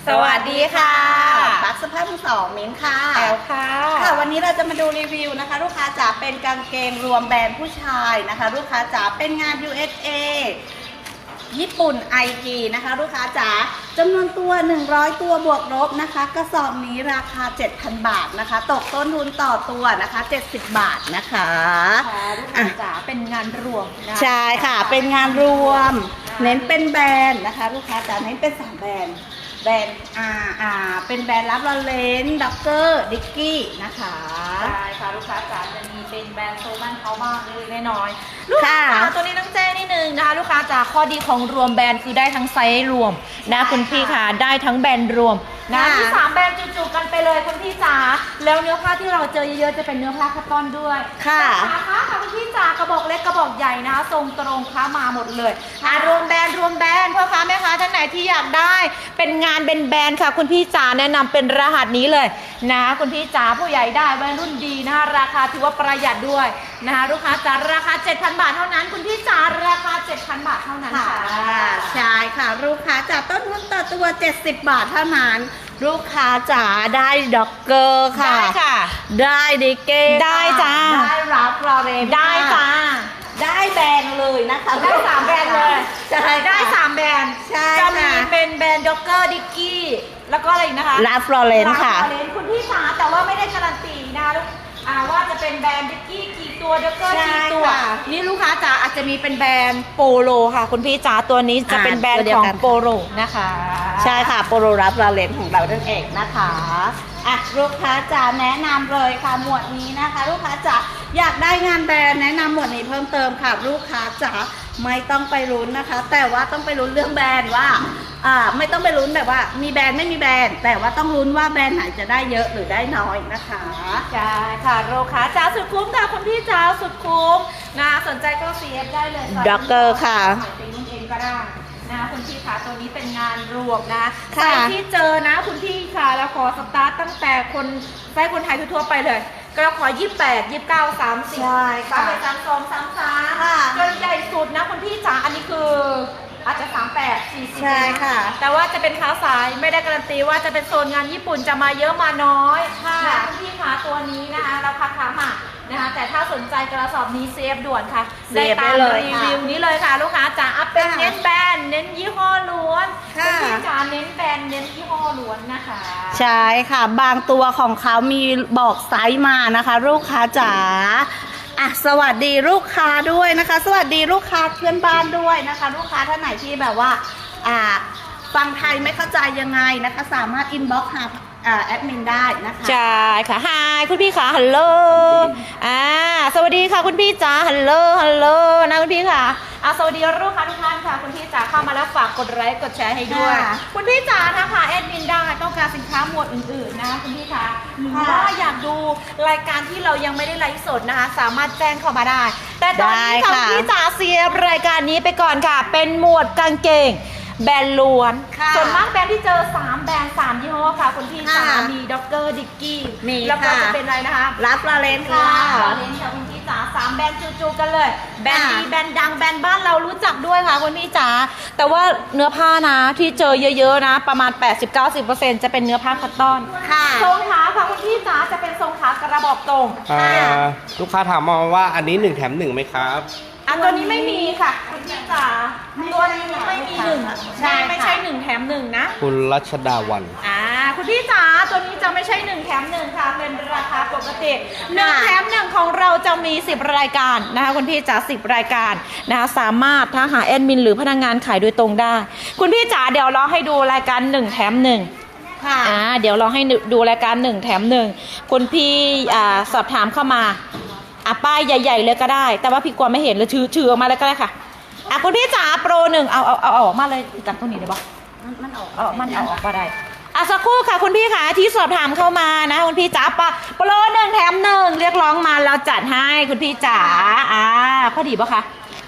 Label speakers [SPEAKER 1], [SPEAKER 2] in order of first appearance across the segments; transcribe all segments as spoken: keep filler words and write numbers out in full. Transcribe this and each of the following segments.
[SPEAKER 1] สวัสดีค่ะ
[SPEAKER 2] บักสภาพมือสองมิ้นค่ะ
[SPEAKER 1] แอลค่ะ
[SPEAKER 2] ค่ะวันนี้เราจะมาดูรีวิวนะคะลูกค้าจ๋าเป็นกางเกงรวมแบรนด์ผู้ชายนะคะลูกค้าจ๋าเป็นงาน ยู เอส เอ ญี่ปุ่น ไอ จี นะคะลูกค้าจ๋าจำนวนตัวหนึ่งร้อยตัวบวกลบนะคะกระสอบนี้ราคา เจ็ดพัน บาทนะคะตกต้นทุนต่อตัวนะคะเจ็ดสิบบาทนะคะ
[SPEAKER 1] ค่ะลูกค้าจ๋าเป็นงานรวมนะ
[SPEAKER 2] ใช่ค่ะเป็นงานรวมเน้นเป็นแบรนด์นะคะลูกค้าจ๋าเน้นเป็นสามแบรนด์แบรนด์อ่าอ่าเป็นแบรนด์รับลอเลนด็อกเกอร์ดิกกี้นะคะ
[SPEAKER 1] ใช่ค่ะลูกค้าจ๋าจะมีเป็นแบรนด์โซมันเขาบ้างเล็กน้อยลูกค้าตัวนี้ต้องแจ้งนิดนึงนะคะลูกค้าจ๋าข้อดีของรวมแบรนด์คือได้ทั้งไซส์รวมนะคุณพี่ค่ะได้ทั้งแบรนด์รวมนะที่สามแบรนด์จุๆกันไปเลยคุณพี่จ๋าแล้วเนื้อผ้าที่เราเจอเยอะๆจะเป็นเนื้อผ้าคัตตอนด้วย
[SPEAKER 2] ค่ะ
[SPEAKER 1] ค่ะค่ะคุณพี่จ๋ากระบอกเล็กกระบอกใหญ่นะคะทรงตรงค้ามาหมดเลยอ่ารวมแบรนด์รวมแบรนด์พ่อค้าแม่ค้าท่านไหนที่อยากได้เป็นงานเป็นแบรนด์ค่ะคุณพี่จ๋าแนะนำเป็นรหัสนี้เลยนะคุณพี่จ๋าผู้ใหญ่ได้แบรนด์รุ่นดีนะคะราคาถือว่าประหยัดด้วยนะคะลูกค้าจ๋าราคา เจ็ดพัน บาทเท่านั้นคุณพี่จ๋าราคา เจ็ดพัน บาทเท่านั้นค่ะ
[SPEAKER 2] ใช่ค่ะลูกค้าจ๋าต้นทุนต่อตัวเจ็ดสิบบาทเท่านั้นลูกค้าจ๋าได้ด็อกเกอร์ค่ะ
[SPEAKER 1] ได้ค่ะ
[SPEAKER 2] ได้ดิเก้
[SPEAKER 1] ได้จ้า
[SPEAKER 2] ได้รับลอเรน
[SPEAKER 1] ได้จ้า
[SPEAKER 2] ได้แบรนด์เลยนะคะ
[SPEAKER 1] ได้สามแบรนด์เลย
[SPEAKER 2] ใช่
[SPEAKER 1] ได้สามแบรนด์
[SPEAKER 2] ใช่
[SPEAKER 1] จะมีเป็นแบรนด์ด็อกเกอร์ดิกกี้แล้วก็อะไรนะคะ
[SPEAKER 2] รับลอเรนค่ะ
[SPEAKER 1] คุณพี่จ๋าแต่ว่าไม่ได้การันตีนะคะว่าจะเป็นแบรนด์ดิกกี้กี่ตัวด็อกเกอร์กี่ตัวนี่ลูกค้าจ๋าอาจจะมีเป็นแบรนด์โปโลค่ะคุณพี่จ๋าตัวนี้จะเป็นแบรนด์ของโปโลนะคะ
[SPEAKER 2] ใช่ค่ะโปโลรับลอเรนของเรานั่นเองนะคะอ่ะลูกค้าจ๋าแนะนำเลยค่ะหมวดนี้นะคะลูกค้าจ๋าอยากได้งานแบรนด์แนะนำหมวดนี้เพิ่มเติมค่ะลูกค้าจ๋าไม่ต้องไปลุ้นนะคะแต่ว่าต้องไปลุ้นเรื่องแบรนด์ว่าอ่าไม่ต้องไปลุ้นแบบว่ามีแบรนด์ไม่มีแบรนด์แต่ว่าต้องลุ้นว่าแบรนด์ไหนจะได้เยอะหรือได้น้อยนะคะ
[SPEAKER 1] ใช่ค่ะลูกค้าจ๋าสุดคุ้มค่ะคุณพี่จ๋าสุดคุ้มนะสนใจก็ ซี เอฟ ได้เลย
[SPEAKER 2] ด็อกเกอร์ค่ะ
[SPEAKER 1] เป็นนุ่นเองก็ได้นะคุณพี่คะตัวนี้เป็นงานรวมนะไซส์ที่เจอนะคุณพี่ค่ะแล้วขอสตาร์ตตั้งแต่คนไซส์คนไทยทั่วไปเลยก็ขอยี่สิบแปด ยี่สิบเก้า สามสิบ
[SPEAKER 2] ใช่ค่ะ
[SPEAKER 1] สามสอง สามสามจนใหญ่สุดนะคุณพี่จ๋าอันนี้คืออาจจะสามแปด สี่สิบ
[SPEAKER 2] ใช่ค่ะ
[SPEAKER 1] แต่ว่าจะเป็นค้าสายไม่ได้การันตีว่าจะเป็นโซนงานญี่ปุ่นจะมาเยอะมาน้อยค่ะคุณพี่คะตัวนี้นะคะราคาค้ามานะคะแต่ถ้าสนใจกระสอบนี้เซฟด่วนค่ะได้ตามรีวิวนี้เลยค่ะลูกค้าจ๋าอัพเป็นเน้นแบรนด์เน้นยี่ห้อล้วนคุณพี่จ๋าเน้นแบรนด์เน้นยี่ห้อล้วนนะคะ
[SPEAKER 2] ใช่ค่ะบางตัวของเขามีบอกไซส์มานะคะลูกค้าจ๋าอ่ะสวัสดีลูกค้าด้วยนะคะสวัสดีลูกค้าเพื่อนบ้านด้วยนะคะลูกค้าท่านไหนที่แบบว่าอ่าฟังไทยไม่เข้าใจยังไงนะคะสามารถอินบ็อกซ์หาแอดมินได้นะคะ
[SPEAKER 1] ใช่ค่ะฮายคุณพี่ค่ะฮัลโหลอ่าสวัสดีค่ะคุณพี่จ๋าฮัลโหลฮัลโหลนะคุณพี่ค่ะอ่าสวัสดีลูกค้าทุกท่านค่ะคุณพี่จ๋าเข้ามาแล้วฝากกดไลค์กดแชร์ให้ด้วยคุณพี่จ๋านะคะแอดมินได้ต้องการสินค้าหมวดอื่นๆนะคุณพี่ค่ะหรือว่าอยากดูรายการที่เรายังไม่ได้ไลฟ์สดนะคะสามารถแจ้งเข้ามาได้แต่ตอนนี้ค่ะคุณพี่จ๋าเสียรายการนี้ไปก่อนค่ะเป็นหมวดกางเกงแบรนด์ล้วนส่วนมากแบรนด์ที่เจอสามแบรนด์สามยี่ห้อค่ะคุณพี่จ๋ามีด็อกเกอร์ดิกกี้แล้วก็จะเป็นอะไรนะคะ
[SPEAKER 2] รับลาเลนค่ะ
[SPEAKER 1] ลาเลนค่ะคุณพี่จ๋าสามแบรนด์จูๆกันเลยแบรนด์ดีแบรนด์ดังแบรนด์บ้านเรารู้จักด้วยค่ะคุณพี่จ๋าแต่ว่าเนื้อผ้านะที่เจอเยอะๆนะประมาณ แปดสิบถึงเก้าสิบเปอร์เซ็นต์ จะเป็นเนื้อผ้าคัตตอนทรงขาค่ะคุณพี่จ๋าจะเป็นทรงขากระบอกตรง
[SPEAKER 3] ลูกค้าถามมาว่าอันนี้หนึ่งแถมหนึ่งไหมครับ
[SPEAKER 1] อันตัวนี้ไม่มีค่ะคุณพี่จ๋าตัวนี้ไม่มีหนึ่งใช่ไม่ใช่หนึ่งแถมหนึ่งนะ
[SPEAKER 3] คุณรัชดาวัน
[SPEAKER 1] อ่าคุณพี่จ๋าตัวนี้จะไม่ใช่หนึ่งแถมหนึ่งค่ะเป็นราคาปกติหนึ่งแถมหนึ่งของเราจะมีสิบรายการนะคะคุณพี่จ๋าสิบรายการนะคะสามารถถ้าหาแอดมินหรือพนักงานขายโดยตรงได้คุณพี่จ๋าเดี๋ยวเราให้ดูรายการหนึ่งแถมหนึ่งค่ะอ่าเดี๋ยวเราให้ดูรายการหนึ่งแถมหนึ่งคุณพี่อ่าสอบถามเข้ามาอ่ะป้ายใหญ่ๆเลยก็ได้แต่ว่าพี่กลัวไม่เห็นเลยถือถือออกมาเลยก็ได้ค่ะอ่ะคุณพี่จ๋าโปรหนึ่งเอาเอาเอาออกมาเลยจากตรงนี้ได้ปะ
[SPEAKER 2] มันออก
[SPEAKER 1] เอามันเอาออกก็ได้อ่ะสักครู่ค่ะคุณพี่ค่ะที่สอบถามเข้ามานะคุณพี่จ๋าปะโปรหนึ่งแถมหนึ่งเรียกร้องมาเราจัดให้คุณพี่จ๋าอ่าพอดีปะคะ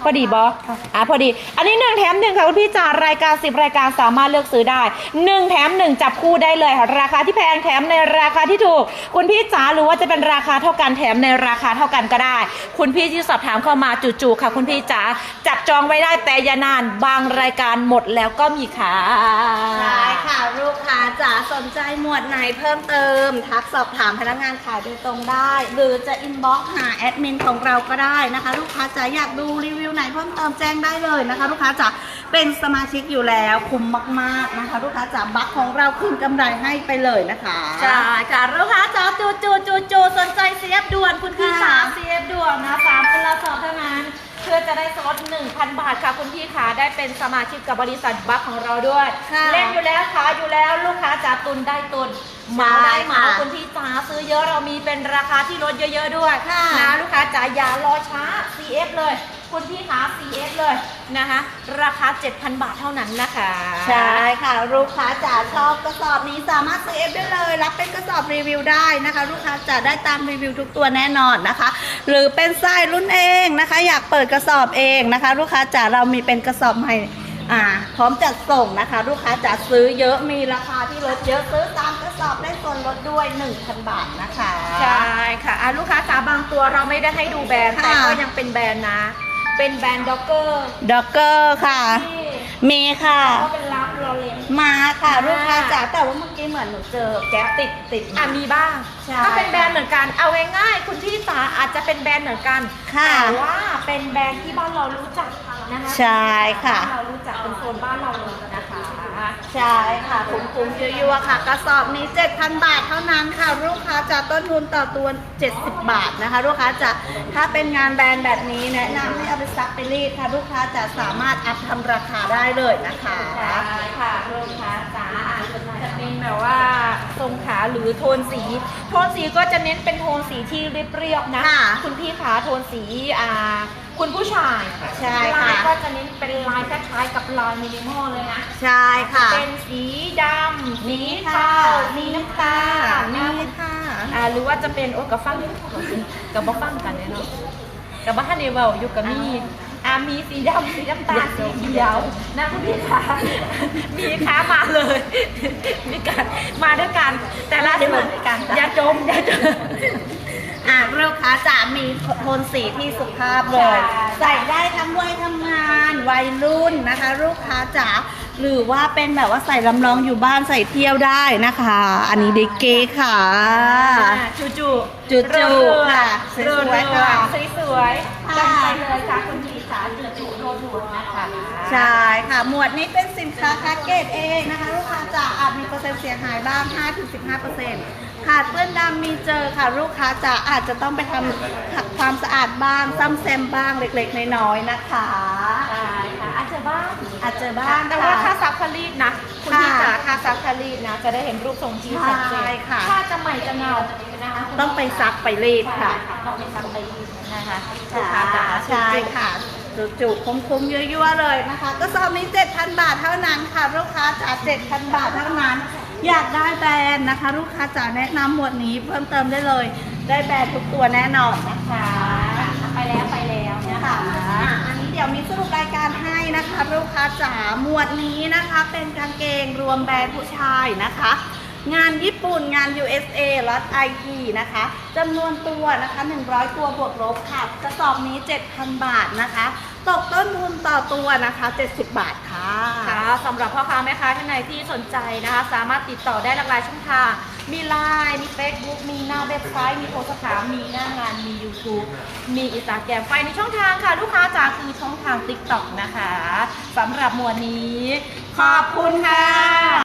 [SPEAKER 1] พอดีบออ่ะพอดี อันนี้หนึ่งแถมหนึ่งค่ะคุณพี่จ๋ารายการสิบรายการสามารถเลือกซื้อได้หนึ่งแถมหนึ่งจับคู่ได้เลยค่ะราคาที่แพงแถมในราคาที่ถูกคุณพี่จ๋าหรือว่าจะเป็นราคาเท่ากันแถมในราคาเท่ากันก็ได้คุณพี่ที่สอบถามเข้ามาจู่ๆค่ะคุณพี่จ๋าจับจองไว้ได้แต่อย่านานบางรายการหมดแล้วก็มีค่ะ
[SPEAKER 2] ใช่ค่ะลูกค้าจ๋าสนใจหมวดไหนเพิ่มเติมทักสอบถามพนักงานขายโดยตรงได้ หรือจะอินบ็อกซ์หาแอดมินของเราก็ได้นะคะ ลูกค้าจ๋าอยากดูรีวิวไหนเพิ่มเติมแจ้งได้เลยนะคะ ลูกค้าจ๋าเป็นสมาชิกอยู่แล้วคุ้มมากๆนะคะ ลูกค้าจ๋าบัคของเราคืนกำไรให้ไปเลยนะคะ
[SPEAKER 1] ใช่ค่ะลูกค้าจ๋าจูจูจูจูสนใจ ซี เอฟ ด่วนคุณพี่จ๋า ซี เอฟ ด่วนนะสามคนละสอบเท่านั้นเพื่อจะได้สล็อต หนึ่งพัน บาทค่ะคุณพี่ขาได้เป็นสมาชิกกับบริษัทบัคของเราด้วย
[SPEAKER 2] ค่ะ
[SPEAKER 1] เล่นอยู่แล้วขายอยู่แล้วลูกค้าจ๋าตุนได้ตุนเหมาได้เหมา
[SPEAKER 2] ค่ะ
[SPEAKER 1] คุณพี่จ๋าซื้อเยอะเรามีเป็นราคาที่ลดเยอะๆด้วย
[SPEAKER 2] ค่ะ
[SPEAKER 1] นะลูกค้าจ๋าอย่ารอช้า ซี เอฟ เลยคุณพี่ขา ซี เอฟ เลยนะคะราคา เจ็ดพัน บาทเท่านั้นนะคะ
[SPEAKER 2] ใช่ค่ะลูกค้าจ๋าชอบกระสอบนี้สามารถซื้อเอฟได้เลยรับเป็นกระสอบรีวิวได้นะคะ ลูกค้าจ๋าได้ตามรีวิวทุกตัวแน่นอนนะคะ หรือเป็นไส้รุ่นเองนะคะ อยากเปิดกระสอบเองนะคะ ลูกค้าจ๋าเรามีเป็นกระสอบใหม่อ่าพร้อมจัดส่งนะคะ ลูกค้าจ๋าซื้อเยอะมีราคาที่ลดเยอะซื้อตามกระสอบได้ส่วนลดด้วย หนึ่งพัน บาทนะคะ
[SPEAKER 1] ใช่ค่ะอ่ะลูกค้าจ๋าบางตัวเราไม่ได้ให้ดูแบรนด์
[SPEAKER 2] ค่ะ
[SPEAKER 1] แต่ก็ยังเป็นแบรนด์นะ เป็นแบรนด์ด็อกเกอร์
[SPEAKER 2] ด็อกเกอร์ค่ะ
[SPEAKER 1] ที่
[SPEAKER 2] มีค่ะ
[SPEAKER 1] ก็เป็นรับโรเลน
[SPEAKER 2] มาค่ะ
[SPEAKER 1] อ่า
[SPEAKER 2] ลูกค้าจ๋าแต่ว่าเมื่อกี้เหมือนหนูเจอแก๊ปติดติด
[SPEAKER 1] อ่ะมีบ้าง
[SPEAKER 2] ใช่
[SPEAKER 1] ก็เป็นแบรนด์เหมือนกันเอาง่ายๆคุณพี่จ๋าอาจจะเป็นแบรนด์เหมือนกัน
[SPEAKER 2] ค่ะ
[SPEAKER 1] แต่ว่าเป็นแบรนด์ที่บ้านเรารู้จักนะคะ
[SPEAKER 2] ใช่ค่ะ
[SPEAKER 1] บ้านเรารู้จักเป็นโซนบ้านเราเลยนะคะ
[SPEAKER 2] ใช่ค่ะคุ้มๆยั่วๆค่ะ กระสอบนี้ เจ็ดพัน บาทเท่านั้นค่ะ ลูกค้าจะต้นทุนต่อตัว เจ็ดสิบ บาทนะคะ ลูกค้าจะถ้าเป็นงานแบรนด์แบบนี้แนะนำให้เอาไปซักไปรีดค่ะ ลูกค้าจะสามารถอัพทำราคาได้เลยนะคะ
[SPEAKER 1] ใช่ค่ะลูกค้าจ๋าจะเป็นแบบว่าทรงขาหรือโทนสี โทนสีก็จะเน้นเป็นโทนสีที่เรียบๆนะ
[SPEAKER 2] ค่ะ
[SPEAKER 1] คุณพี่ขาโทนสีอ่าคุณผู้ชาย
[SPEAKER 2] ใช่ค่ะ
[SPEAKER 1] ลายก็จะเน้นเป็นลายคล้ายๆกับลายมินิมอลเลยนะ
[SPEAKER 2] ใช่ค่ะ
[SPEAKER 1] เป็นสีดำสีเทาสีน้ำตาล
[SPEAKER 2] นี่
[SPEAKER 1] นะ
[SPEAKER 2] ค่ะ
[SPEAKER 1] อ่าหรือว่าจะเป็นโอ้กับฟังกับบ่ฟังกันเลยเนาะกับบ้านเนเวลอยู่กับมีอ่ามีสีดำสีน้ำตาลสีเขียวนะคุณพี่คะมีค้ามาเลย มีการมาด้วยกัน แต่ละ
[SPEAKER 2] ไม่ได้มาด้วยกันจ้ะ
[SPEAKER 1] อย่าจมอย่าจม
[SPEAKER 2] อ่ะลูกค้าจะมีโทนสีที่สุภาพเลย
[SPEAKER 1] ใช่
[SPEAKER 2] ใส่ได้ทั้งวัยทำงานวัยรุ่นนะคะ ลูกค้าจ๋าหรือว่าเป็นแบบว่าใส่ลำลองอยู่บ้านใส่เที่ยวได้นะคะ อันนี้เด็กเก๋ค่ะ
[SPEAKER 1] จูจู
[SPEAKER 2] จูจูค่ะสวยๆค่ะ
[SPEAKER 1] สวยๆ
[SPEAKER 2] ค่ะ
[SPEAKER 1] จัดไปเลยค่ะคุณพี่จ๋าจูจูโดนหนวดนะคะ
[SPEAKER 2] ใช่ค่ะ หมวดนี้เป็นสินค้าแพ็กเกจเองนะคะ ลูกค้าจ๋าอาจมีเปอร์เซ็นต์เสียหายบ้าง ห้าถึงสิบห้าเปอร์เซ็นต์ ขาดเปื้อนดำมีเจอค่ะ ลูกค้าจ๋าอาจจะต้องไปทำขัดความสะอาดบ้างซ่อมแซมบ้างเล็กๆน้อยๆนะคะ
[SPEAKER 1] ใช่ค่ะอาจจะบ้าง
[SPEAKER 2] อาจจะบ้าง
[SPEAKER 1] แต่ว่า
[SPEAKER 2] ค่ะ
[SPEAKER 1] ค่าซักคารีดนะ คุณพี่
[SPEAKER 2] ค่ะ
[SPEAKER 1] จ๋าค่าซักคารีดนะ จะได้เห็นรูปทรงที่ชัดเจ
[SPEAKER 2] ใช่
[SPEAKER 1] น
[SPEAKER 2] ค่ะ
[SPEAKER 1] ถ้าจะใหม่จะเงานะคะคุณพี่
[SPEAKER 2] ต้องไปซักไปรีด
[SPEAKER 1] ใช่
[SPEAKER 2] ค่ะ
[SPEAKER 1] ค่ะต้องไปซักไปรีดนะคะ
[SPEAKER 2] ค่ะใช่ค่ะจุกๆคุ้มๆยั่วๆเลยนะคะก็สอบนี้ เจ็ดพัน บาทเท่านั้นค่ะ ลูกค้าจ๋า เจ็ดพัน บาทเท่านั้น อยากได้แบรนด์นะคะ ลูกค้าจ๋าแนะนำหมวดนี้เพิ่มเติมได้เลย ได้แบรนด์ทุกตัวแน่นอนนะคะ
[SPEAKER 1] ไปแล้วไปแล้วนะคะ
[SPEAKER 2] อ่ะอันนี้เดี๋ยวมีสรุปรายการให้นะคะ ลูกค้าจ๋าหมวดนี้นะคะ เป็นกางเกงรวมแบรนด์ผู้ชายนะคะ งานญี่ปุ่นงาน ยู เอส เอ ล็อต ไอ ที นะคะจำนวนตัวนะคะหนึ่งร้อยตัวบวกลบค่ะกระสอบนี้ เจ็ดพัน บาทนะคะ ตกต้นทุนต่อตัวนะคะเจ็ดสิบบาทค่ะ
[SPEAKER 1] ค่ะสำหรับพ่อค้าแม่ค้าท่านใดที่สนใจนะคะ สามารถติดต่อได้หลากหลายช่องทาง มี ไลน์ มี เฟซบุ๊ก มีหน้าเว็บไซต์ มีโทรสอบมีหน้างาน มี ยูทูบ มีอินสตาแกรมไปในช่องทางค่ะ ลูกค้าจ๋าคือช่องทาง ติ๊กต็อก นะคะสำหรับหมวดนี้ ขอบคุณค่ะ